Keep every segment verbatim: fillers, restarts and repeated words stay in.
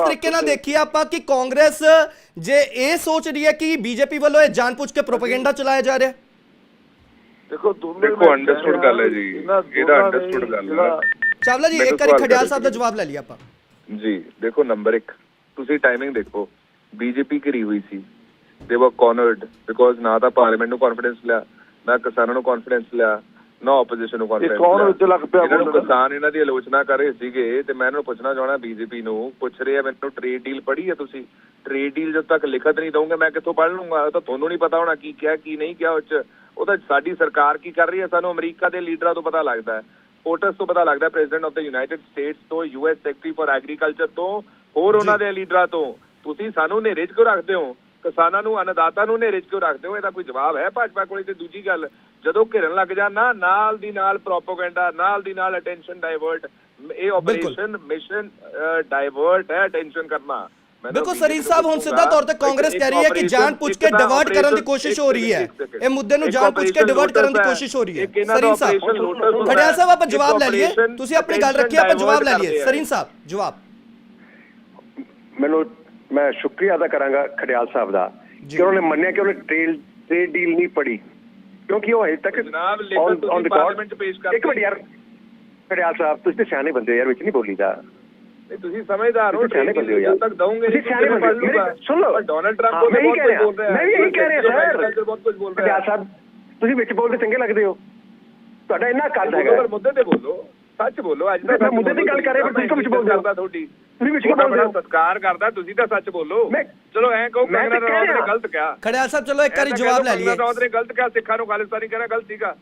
ਤਰੀਕੇ ਨਾਲ ਦੇਖੀਏ ਆਪਾਂ ਕਿ ਕਾਂਗਰਸ ਜੇ ਇਹ ਸੋਚ ਰਹੀ ਹੈ ਕਿ ਬੀਜੇਪੀ ਵੱਲੋਂ ਇਹ ਜਾਣਬੁੱਝ ਕੇ ਪ੍ਰੋਪੇਗੈਂਡਾ ਚਲਾਇਆ ਜਾ ਰਿਹਾ? ਦੇਖੋ ਦੇਖੋ ਅੰਡਰਸਟੂਡ ਗੱਲ ਹੈ ਜੀ, ਇਹਦਾ ਅੰਡਰਸਟੂਡ ਗੱਲ ਹੈ। ਚਾਵਲਾ ਜੀ ਇੱਕ ਵਾਰੀ ਖੜਿਆਲ ਸਾਹਿਬ ਦਾ ਜਵਾਬ ਲੈ ਲਿਆ ਆਪਾਂ ਜੀ। ਦੇਖੋ ਨੰਬਰ ਇੱਕ, ਤੁਸੀਂ ਟਾਈਮਿੰਗ ਦੇਖੋ, ਬੀਜੇਪੀ ਘਿਰੀ ਹੋਈ ਸੀ, ਦੇ ਵਰ ਕਾਰਨਰਡ ਬਿਕੋਜ਼ ਨਾ ਤਾਂ ਪਾਰਲੀਮੈਂਟ ਨੂੰ ਕੌਨਫੀਡੈਂਸ ਲਿਆ, ਨਾ ਕਿਸਾਨਾਂ ਨੂੰ ਕੌਨਫੀਡੈਂਸ ਲਿਆ, ਨਾ ਆਪੋਜੀਸ਼ਨ ਨੂੰ ਕੌਨਫੀਡੈਂਸ ਲਿਆ। ਕਿਸਾਨ ਇਹਨਾਂ ਦੀ ਆਲੋਚਨਾ ਕਰ ਰਹੇ ਸੀਗੇ ਤੇ ਮੈਂ ਇਹਨਾਂ ਨੂੰ ਪੁੱਛਣਾ ਚਾਹਣਾ, ਬੀਜੇਪੀ ਨੂੰ ਪੁੱਛ ਰਹੇ ਆ ਮੈਨੂੰ ਟ੍ਰੇਡ ਡੀਲ ਪੜ੍ਹੀ ਹੈ ਤੁਸੀਂ? ਟ੍ਰੇਡ ਡੀਲ ਜਦ ਤੱਕ ਲਿਖਤ ਨਹੀਂ ਦਊਂਗੇ ਮੈਂ ਕਿੱਥੋਂ ਪੜ੍ਹ ਲੂੰਗਾ? ਉਹ ਤਾਂ ਤੁਹਾਨੂੰ ਨਹੀਂ ਪਤਾ ਹੋਣਾ ਕੀ ਕਿਹਾ ਕੀ ਨਹੀਂ ਕਿਹਾ। ਉਹ 'ਚ ਉਹ ਤਾਂ ਸਾਡੀ ਸਰਕਾਰ ਕੀ ਕਰ ਰਹੀ ਹੈ ਸਾਨੂੰ ਅਮਰੀਕਾ ਦੇ ਲੀਡਰਾਂ ਤੋਂ ਪਤਾ ਲੱਗਦਾ ਹੈ, ਪੋਟਸ ਤੋਂ ਪਤਾ ਲੱਗਦਾ, president of the United States ਤੋਂ, U S secretary for agriculture ਤੋਂ, ਹੋਰ ਉਹਨਾਂ ਦੇ ਲੀਡਰਾਂ ਤੋਂ। ਤੁਸੀਂ ਸਾਨੂੰ ਹਨੇਰੇ 'ਚ ਕਿਉਂ ਰੱਖਦੇ ਹੋ? ਕਿਸਾਨਾਂ ਨੂੰ, ਅੰਨਦਾਤਾ ਨੂੰ ਹਨੇਰੇ 'ਚ ਕਿਉਂ ਰੱਖਦੇ ਹੋ? ਇਹਦਾ ਕੋਈ ਜਵਾਬ ਹੈ ਭਾਜਪਾ ਕੋਲ? ਤੇ ਦੂਜੀ ਗੱਲ, ਜਦੋਂ ਘਿਰਨ ਲੱਗ ਜਾਣਾ ਨਾਲ ਦੀ ਨਾਲ ਪ੍ਰੋਪੇਗੈਂਡਾ, ਨਾਲ ਦੀ ਨਾਲ ਅਟੈਂਸ਼ਨ ਡਾਇਵਰਟ। ਇਹ ਆਪਰੇਸ਼ਨ ਮਿਸ਼ਨ ਡਾਇਵਰਟ ਹੈ, ਅਟੈਂਸ਼ਨ ਕਰਨਾ। ਬਿਲਕੁਲ ਸਰੀਰ ਸਾਹਿਬ, ਹੁਣ ਸਿੱਧਾ ਤੌਰ ਤੇ ਕਾਂਗਰਸ ਕਹਿ ਰਹੀ ਹੈ ਕਿ ਜਾਣ ਪੁੱਛ ਕੇ ਡਿਵਰਟ ਕਰਨ ਦੀ ਕੋਸ਼ਿਸ਼ ਹੋ ਰਹੀ ਹੈ, ਇਹ ਮੁੱਦੇ ਨੂੰ ਜਾਣ ਪੁੱਛ ਕੇ ਡਿਵਰਟ ਕਰਨ ਦੀ ਕੋਸ਼ਿਸ਼ ਹੋ ਰਹੀ ਹੈ। ਸਰੀਰ ਸਾਹਿਬ, ਖੜਿਆਲ ਸਾਹਿਬ ਆਪਾਂ ਜਵਾਬ ਲੈ ਲਈਏ, ਤੁਸੀਂ ਆਪਣੀ ਗੱਲ ਰੱਖੀ, ਆਪਾਂ ਜਵਾਬ ਲੈ ਲਈਏ। ਸਰੀਰ ਸਾਹਿਬ ਜਵਾਬ। ਮੈਨੂੰ ਮੈਂ ਸ਼ੁਕਰੀਆ ਅਦਾ ਕਰਾਂਗਾ ਖੜਿਆਲ ਸਾਹਿਬ ਦਾ ਕਿ ਉਹਨਾਂ ਨੇ ਮੰਨਿਆ ਕਿ ਉਹਨੇ ਟ੍ਰੇਡ ਟ੍ਰੇਡ ਡੀਲ ਨਹੀਂ ਪੜ੍ਹੀ, ਕਿਉਂਕਿ ਉਹ ਹਜੇ ਤੱਕ ਔਨ ਰਿਕਾਰਡ ਪੇਸ਼ ਕਰ। ਇੱਕ ਮਿੰਟ ਯਾਰ ਖੜਿਆਲ ਸਾਹਿਬ, ਤੁਸੀਂ ਤੇ ਸਿਆਣੇ ਬੰਦੇ ਹੋ ਯਾਰ, ਵਿੱਚ ਨਹੀਂ ਬੋਲੀਦਾ। ਤੁਸੀਂ ਸਮਝਦਾਰ ਹੋ, ਸਿਆਣੇ ਬੰਦੇ ਹੋ ਯਾਰ, ਤੱਕ ਦਊਂਗੇ ਸੁਣ ਲਓ। ਡੋਨਲਡ ਟਰੰਪ ਬਹੁਤ ਕੁਝ ਬੋਲ ਰਿਹਾ ਹੈ, ਮੈਂ ਵੀ ਇਹੀ ਕਹਿ ਰਿਹਾ ਸਰ, ਬਹੁਤ ਕੁਝ ਬੋਲ ਰਿਹਾ ਹੈ। ਸਾਹਿਬ ਤੁਸੀਂ ਵਿੱਚ ਬੋਲਦੇ ਚੰਗੇ ਲੱਗਦੇ ਹੋ, ਤੁਹਾਡਾ ਇੰਨਾ ਕੱਦ ਹੈਗਾ। ਮੁੱਦੇ ਤੇ ਬੋਲੋ, ਸੱਚ ਬੋਲੋ। ਅੱਜ ਤਾਂ ਮੁੱਦੇ ਦੀ ਗੱਲ ਕਰ ਰਹੇ, ਤੁਸੀਂ ਵਿੱਚ ਬੋਲਦੇ ਹੋ। ਤੁਹਾਡੀ ਤੁਸੀਂ ਵਿੱਚ ਬੋਲਦੇ ਹੋ, ਸਤਿਕਾਰ ਕਰਦਾ, ਤੁਸੀਂ ਤਾਂ ਸੱਚ ਬੋਲੋ। ਚਲੋ ਐਂ ਕਹੋ ਕੰਗਨਾ ਰਣੌਤ ਨੇ ਗਲਤ ਕਿਹਾ। ਖੜਿਆਲ ਸਾਹਿਬ ਚਲੋ ਇੱਕ ਵਾਰੀ ਜਵਾਬ ਲੈ ਲਈਏ। ਕੰਗਨਾ ਰਣੌਤ ਨੇ ਗਲਤ ਕਿਹਾ, ਸਿੱਖਾਂ ਨੂੰ ਖਾਲਿਸਤਾਨੀ ਕਹਿਣਾ ਗਲਤ ਸੀਗਾ।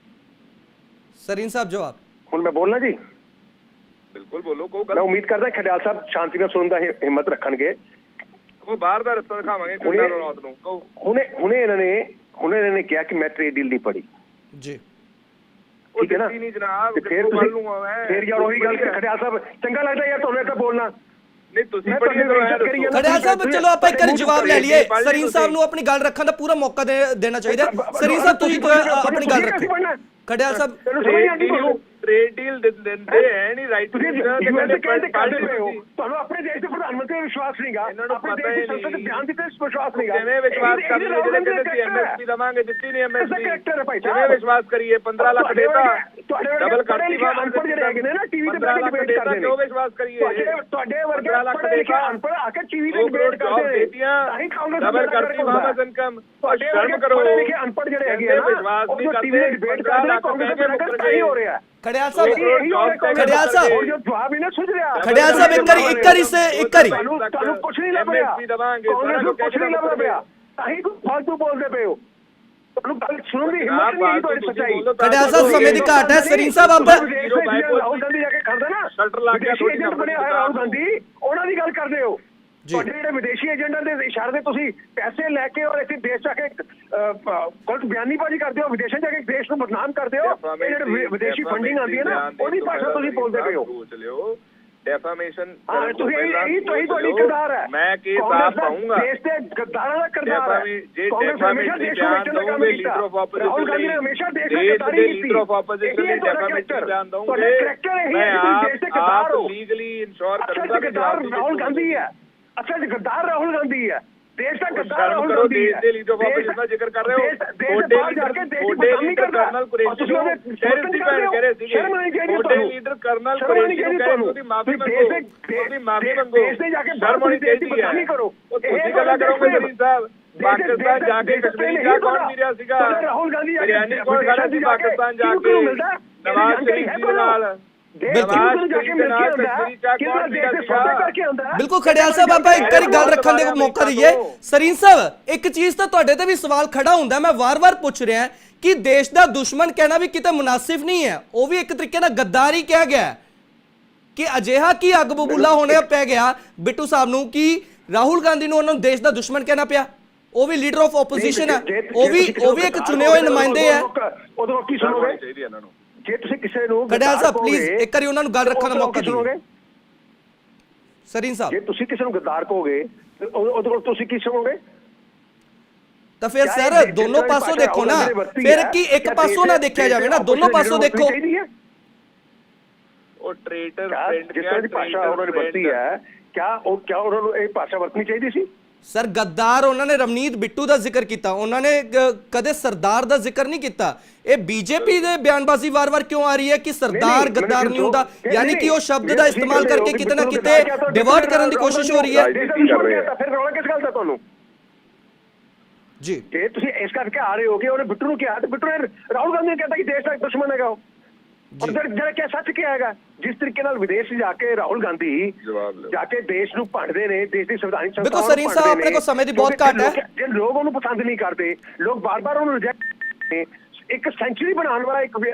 ਸਰੀਨ ਸਾਹਿਬ ਜਵਾਬ। ਹੁਣ ਮੈਂ ਬੋਲਣਾ ਜੀ? ਬਿਲਕੁਲ ਬੋਲੋ। ਮੈਂ ਉਮੀਦ ਕਰਦਾ ਖੜਿਆਲ ਸਾਹਿਬ ਸ਼ਾਂਤੀ ਨਾਲ ਸੁਣਨ ਦਾ ਹਿੰਮਤ ਰੱਖਣਗੇ। ਉਹ ਬਾਹਰ ਦਾ ਰਸਤਾ ਦਿਖਾਵਾਂਗੇ ਕੰਗਨਾ ਰਣੌਤ ਨੂੰ। ਕਹੋ। ਹੁਣੇ ਹੁਣੇ ਇਹਨਾਂ ਨੇ ਹੁਣੇ ਇਹਨਾਂ ਨੇ ਕਿਹਾ ਕਿ ਮੈਂ ਟ੍ਰੇਡ ਡੀਲ ਨਹੀਂ ਪੜ੍ਹੀ ਜੀ, ਠੀਕ ਹੈ ਨਾ? ਫਿਰ ਫਿਰ ਯਾਰ ਉਹੀ ਗੱਲ ਖੜਿਆਲ ਸਾਹਿਬ, ਚੰਗਾ ਲੱਗਦਾ ਯਾਰ ਤੁਹਾਨੂੰ ਏਦਾਂ ਬੋਲਣਾ? ਨਹੀਂ ਤੁਸੀਂ ਖੜਿਆਲ ਸਾਹਿਬ ਚਲੋ ਆਪਾਂ ਇੱਕ ਵਾਰੀ ਜਵਾਬ ਲੈ ਲਈਏ। ਸਰੀਨ ਸਾਹਿਬ ਨੂੰ ਆਪਣੀ ਗੱਲ ਰੱਖਣ ਦਾ ਪੂਰਾ ਮੌਕਾ ਦੇਣਾ ਚਾਹੀਦਾ। ਸਰੀਨ ਸਾਹਿਬ ਤੁਸੀਂ ਆਪਣੀ ਗੱਲ ਰੱਖੋ। ਖੜਿਆਲ ਸਾਹਿਬ ਟ੍ਰੇਡ ਡੀਲ ਦਿੰਦੇ ਹੈ ਨਹੀਂ, ਰਾਈਟ? ਤੁਹਾਨੂੰ ਆਪਣੇ ਦੇਸ਼ ਦੇ ਪ੍ਰਧਾਨ ਮੰਤਰੀ ਵਿਸ਼ਵਾਸ ਨਹੀਂਗਾ, ਆਪਣੇ ਦੇਸ਼ ਦੀ ਸੰਸਦ ਦੇ ਬਿਆਨ ਦਿੱਤੇ ਵਿਸ਼ਵਾਸ ਨਹੀਂਗਾ। ਜਿਵੇਂ ਵਿਸ਼ਵਾਸ ਕਰ ਲਈਏ, ਜਿਹੜੇ ਕਹਿੰਦੇ ਸੀ ਐਮਐਸਪੀ ਦਵਾਂਗੇ, ਦਿੱਤੀ ਨਹੀਂ ਐਮਐਸਪੀ। ਜਿਵੇਂ ਵਿਸ਼ਵਾਸ ਕਰੀਏ ਪੰਦਰਾਂ ਲੱਖ ਦੇਤਾ, ਡਬਲ ਕਰਤੀ। ਅਨਪੜ੍ਹ ਜਿਹੜੇ ਹੈਗੇ ਨੇ ਨਾ ਟੀਵੀ ਤੇ ਬੈਠ ਕੇ ਡਿਬੇਟ ਕਰਦੇ ਨੇ, ਉਹ ਵਿਸ਼ਵਾਸ ਕਰੀਏ। ਤੁਹਾਡੇ ਵਰਗੇ ਪੜ੍ਹੇ ਲਿਖੇ ਅਨਪੜ੍ਹ ਆ ਕੇ ਟੀਵੀ ਤੇ ਡਿਬੇਟ ਕਰਦੇ ਨੇ, ਡਬਲ ਕਰਤੀ ਵਾਮਸ ਇਨਕਮ। ਸ਼ਰਮ ਕਰੋ, ਪੜ੍ਹੇ ਲਿਖੇ ਅਨਪੜ੍ਹ ਜਿਹੜੇ ਹੈਗੇ ਆ ਨਾ, ਉਹ ਟੀਵੀ ਤੇ ਡਿਬੇਟ ਕਰਦੇ ਨੇ, ਕਾਂਗਰਸ ਦੇ ਪ੍ਰੋਗਰਾਮ ਹੀ ਹੋ ਰਿਹਾ। ਖੜਿਆਲ ਸਾਹਿਬ, ਖੜਿਆਲ ਸਾਹਿਬ ਜਵਾਬ ਹੀ ਨਾ ਸੁਝ ਰਿਹਾ। ਖੜਿਆਲ ਸਾਹਿਬ ਇੱਕ ਵਾਰੀ ਇੱਕ ਵਾਰੀ ਸੇ ਇੱਕ ਵਾਰੀ ਤੁਹਾਨੂੰ ਕੁਛ ਨਹੀਂ ਲੱਭ ਰਿਹਾ, ਕਾਂਗਰਸ ਨੂੰ ਕੁਛ ਨਹੀਂ ਲੱਭ ਰਿਹਾ, ਤਾਹੀਂ ਕੋਈ ਫਾਲਤੂ ਬੋਲਦੇ ਪਏ ਹੋ। ਤੁਹਾਨੂੰ ਗੱਲ ਸੁਣਨ ਦੀ ਹਿੰਮਤ ਨਹੀਂ ਹੈ ਤੁਹਾਡੀ ਸੱਚਾਈ। ਖੜਿਆਲ ਸਾਹਿਬ ਸਮੇਂ ਦੀ ਘਾਟ ਹੈ। ਸਰੀਨ ਸਾਹਿਬ ਆਪ ਰਾਹੁਲ ਗਾਂਧੀ ਜਾ ਕੇ ਖੜਦਾ ਨਾ, ਸ਼ਟਰ ਲਾ ਕੇ ਏਜੰਟ ਬਣਿਆ ਹੋਇਆ ਰਾਹੁਲ ਗਾਂਧੀ, ਉਹਨਾਂ ਦੀ ਗੱਲ ਕਰਦੇ ਹੋ। ਤੁਹਾਡੇ ਜਿਹੜੇ ਵਿਦੇਸ਼ੀ ਏਜੰਟਾਂ ਦੇ ਇਸ਼ਾਰੇ ਤੇ ਤੁਸੀਂ ਪੈਸੇ ਲੈ ਕੇ ਔਰ ਇੱਥੇ ਦੇਸ਼ ਜਾ ਕੇ ਗਲਤ ਬਿਆਨੀਬਾਜ਼ੀ ਕਰਦੇ ਹੋ, ਵਿਦੇਸ਼ਾਂ ਜਾ ਕੇ ਦੇਸ਼ ਨੂੰ ਬਦਨਾਮ ਕਰਦੇ ਹੋ। ਇਹ ਜਿਹੜੇ ਵਿਦੇਸ਼ੀ ਫੰਡਿੰਗ ਆਉਂਦੀ ਹੈ ਨਾ, ਉਹਦੀ ਭਾਸ਼ਾ ਤੁਸੀਂ ਬੋਲਦੇ ਪਏ ਹੋ। ਡੈਫਾਮੇਸ਼ਨ ਤੁਸੀਂ ਇਹੀ ਤੁਹਾਡੀ ਤੁਹਾਡੀ ਕਿਰਦਾਰ ਹੈ। ਮੈਂ ਕੇਸ ਆਪ ਪਾਉਂਗਾ, ਦੇਸ਼ ਦੇ ਗੱਦਾਰਾਂ ਦਾ ਕਿਰਦਾਰ ਹੈ। ਕਾਂਗਰਸ ਹਮੇਸ਼ਾ ਦੇਸ਼ ਨੂੰ ਵੇਚਣ ਦਾ ਕੰਮ ਕੀਤਾ, ਰਾਹੁਲ ਗਾਂਧੀ ਨੇ ਹਮੇਸ਼ਾ ਦੇਸ਼ ਦੀ ਗੱਦਾਰੀ ਕੀਤੀ। ਲੀਡਰ ਆਫ ਆਪੋਜੀਸ਼ਨ ਨੇ ਡੈਫਾਮੇਸ਼ਨ ਬਿਆਨ ਦਊਂਗੇ। ਮੈਂ ਆਪ ਦੇਸ਼ ਦੇ ਗੱਦਾਰ ਹੋ, ਲੀਗਲੀ ਇਨਸ਼ੋਰ ਕਰੂੰਗਾ ਕਿ ਰਾਹੁਲ ਗਾਂਧੀ ਹੈ। ਅੱਛਾ ਜੀ, ਗੱਦਾਰ ਰਾਹੁਲ ਗਾਂਧੀ ਹੈ, ਦੇਸ਼ ਦਾ ਗੱਦਾਰ ਰਾਹੁਲ ਗਾਂਧੀ ਹੈ। ਦੇਸ਼ ਦੇ ਲੀਡਰ ਆਫ ਆਪੋਜੀਸ਼ਨ ਦਾ ਜ਼ਿਕਰ ਕਰ ਰਹੇ ਹੋ, ਛੋਟੇ ਲੀਡਰ ਕਰਨਲ ਕੁਰੇਸ਼ੀ ਨੂੰ ਟੈਰਰਿਸਟ ਕਹਿ ਰਹੇ ਸੀਗੇ। ਛੋਟੇ ਲੀਡਰ ਕਰਨਲ ਕੁਰੇਸ਼ੀ ਨੂੰ ਕਹਿ ਉਹਦੀ ਮਾਫੀ ਮੰਗੋ, ਉਹਦੀ ਮਾਫੀ ਮੰਗੋ। ਸ਼ਰਮ ਹੋਣੀ ਚਾਹੀਦੀ ਹੈ। ਉਹ ਤੁਸੀਂ ਗੱਲਾਂ ਕਰੋਗੇ ਸਰੀਨ ਸਾਹਿਬ? ਪਾਕਿਸਤਾਨ ਜਾ ਕੇ ਕਸ਼ਮੀਰ ਦਾ ਕੌਣ ਮਿਲਿਆ ਸੀਗਾ? ਬਿਰਿਆਨੀ ਕੌਣ ਖਾਣਾ ਸੀ ਪਾਕਿਸਤਾਨ ਜਾ ਕੇ? ਨਵਾਜ਼ ਸ਼ਰੀਫ ਜੀ ਨਾਲ। ਬਿਲਕੁਲ ਖੜਿਆਲ ਸਾਹਿਬ, ਆਪਾਂ ਇੱਕ ਵਾਰੀ ਗੱਲ ਰੱਖਣ ਦੇ ਮੌਕਾ ਦਈਏ। ਸਰੀਨ ਸਾਹਿਬ ਇੱਕ ਚੀਜ਼ ਤਾਂ ਤੁਹਾਡੇ ਤੇ ਵੀ ਸਵਾਲ ਖੜਾ ਹੁੰਦਾ, ਮੈਂ ਵਾਰ-ਵਾਰ ਪੁੱਛ ਰਿਹਾ ਕਿ ਦੇਸ਼ ਦਾ ਦੁਸ਼ਮਣ ਕਹਿਣਾ ਵੀ ਕਿਤੇ ਮੁਨਾਸਿਬ ਨਹੀਂ ਹੈ, ਉਹ ਵੀ ਇੱਕ ਤਰੀਕੇ ਨਾਲ ਗੱਦਾਰੀ ਕਿਹਾ ਗਿਆ ਕਿ ਅਜਿਹਾ ਕੀ ਅੱਗ ਬਬੂਲਾ ਹੋਣੇ ਪੈ ਗਿਆ ਬਿੱਟੂ ਸਾਹਿਬ ਨੂੰ ਕਿ ਰਾਹੁਲ ਗਾਂਧੀ ਨੂੰ ਉਹਨਾਂ ਨੂੰ ਦੇਸ਼ ਦਾ ਦੁਸ਼ਮਣ ਕਹਿਣਾ ਪਿਆ। ਉਹ ਵੀ ਲੀਡਰ ਆਫ ਆਪੋਜੀਸ਼ਨ ਹੈ, ਉਹ ਵੀ ਉਹ ਵੀ ਇੱਕ ਚੁਣੇ ਹੋਏ ਨੁਮਾਇੰਦੇ ਹੈ। ਉਦੋਂ ਕੀ ਸੁਣੋਗੇ ਚਾਹੀਦੀ ਇਹਨਾਂ ਨੂੰ? ਜੇ ਤੁਸੀਂ ਕਿਸੇ ਨੂੰ ਖੜਿਆਲ ਸਾਹਿਬ ਪਲੀਜ਼ ਇੱਕ ਵਾਰੀ ਉਹਨਾਂ ਨੂੰ ਗੱਲ ਰੱਖਣ ਦਾ ਮੌਕਾ ਦਿਓ। ਸਰੀਨ ਸਾਹਿਬ ਜੇ ਤੁਸੀਂ ਕਿਸੇ ਨੂੰ ਗੱਦਾਰ ਕਹੋਗੇ ਉਹਦੇ ਕੋਲ ਤੁਸੀਂ ਕੀ ਸੁਣੋਗੇ? ਤਾਂ ਫਿਰ ਸਰ ਦੋਨੋਂ ਪਾਸੋਂ ਦੇਖੋ ਨਾ, ਫਿਰ ਕੀ ਇੱਕ ਪਾਸੋਂ ਨਾ ਦੇਖਿਆ ਜਾਵੇ ਨਾ, ਦੋਨੋਂ ਪਾਸੋਂ ਦੇਖੋ। ਉਹ ਟ੍ਰੇਡਰ ਫਰੈਂਡ ਜਿਸ ਤਰ੍ਹਾਂ ਦੀ ਭਾਸ਼ਾ ਉਹਨਾਂ ਨੇ ਵਰਤੀ ਹੈ ਕਿਆ ਉਹ ਕਿਆ ਉਹਨਾਂ ਨੂੰ ਇਹ ਭਾਸ਼ਾ ਵਰਤਣੀ ਚਾਹੀਦੀ ਸੀ? ਸਰ ਗੱਦਾਰ ਉਹਨਾਂ ਨੇ ਰਵਨੀਤ ਬਿੱਟੂ ਦਾ ਜ਼ਿਕਰ ਕੀਤਾ, ਉਹਨਾਂ ਨੇ ਗ- ਕਦੇ ਸਰਦਾਰ ਦਾ ਜ਼ਿਕਰ ਨਹੀਂ ਕੀਤਾ। ਇਹ ਬੀਜੇਪੀ ਦੇ ਬਿਆਨਬਾਜ਼ੀ ਵਾਰ-ਵਾਰ ਕਿਉਂ ਆ ਰਹੀ ਹੈ ਕਿ ਸਰਦਾਰ ਗੱਦਾਰ ਨਹੀਂ ਹੁੰਦਾ, ਯਾਨੀ ਕਿ ਉਹ ਸ਼ਬਦ ਦਾ ਇਸਤੇਮਾਲ ਕਰਕੇ ਕਿਤੇ ਨਾ ਕਿਤੇ ਡਿਵਰਟ ਕਰਨ ਦੀ ਕੋਸ਼ਿਸ਼ ਹੋ ਰਹੀ ਹੈ। ਫਿਰ ਰੌਲਾ ਕਿਸ ਗੱਲ ਦਾ ਤੁਹਾਨੂੰ ਜੀ ਜੇ ਤੁਸੀਂ ਇਸ ਕਰਕੇ ਆ ਰਹੇ ਹੋ ਕਿ ਉਹਨੇ ਬਿੱਟੂ ਨੂੰ ਕਿਹਾ ਤੇ ਬਿੱਟੂ ਨੇ ਰਾਹੁਲ ਗਾਂਧੀ ਨੇ ਕਹਿੰਦਾ ਕਿ ਦੇਸ਼ ਦਾ ਦੁਸ਼ਮਣ ਹੈਗਾ ਉਹ। ਔਰ ਜਿਹੜਾ ਕਿਹਾ ਸੱਚ ਕਿਹਾ ਹੈਗਾ, ਜਿਸ ਤਰੀਕੇ ਨਾਲ ਵਿਦੇਸ਼ ਜਾ ਕੇ ਰਾਹੁਲ ਗਾਂਧੀ ਜਾ ਕੇ ਦੇਸ਼ ਨੂੰ ਭੰਡਦੇ ਨੇ, ਦੇਸ਼ ਦੀ ਸੰਵਿਧਾਨਿਕ ਸੰਸਥਾਵਾਂ ਦੇਖੋ ਸਰੀਨ ਸਾਹਿਬ ਆਪਣੇ ਕੋਲ ਸਮੇਂ ਦੀ ਬਹੁਤ ਘੱਟ ਹੈ। ਜੇ ਲੋਕ ਉਹਨੂੰ ਪਸੰਦ ਨਹੀਂ ਕਰਦੇ, ਲੋਕ ਬਾਰ-ਬਾਰ ਉਹਨੂੰ ਰਿਜੈਕਟ, ਇੱਕ ਸੈਂਚੁਰੀ ਬਣਾਉਣ ਵਾਲਾ ਇੱਕ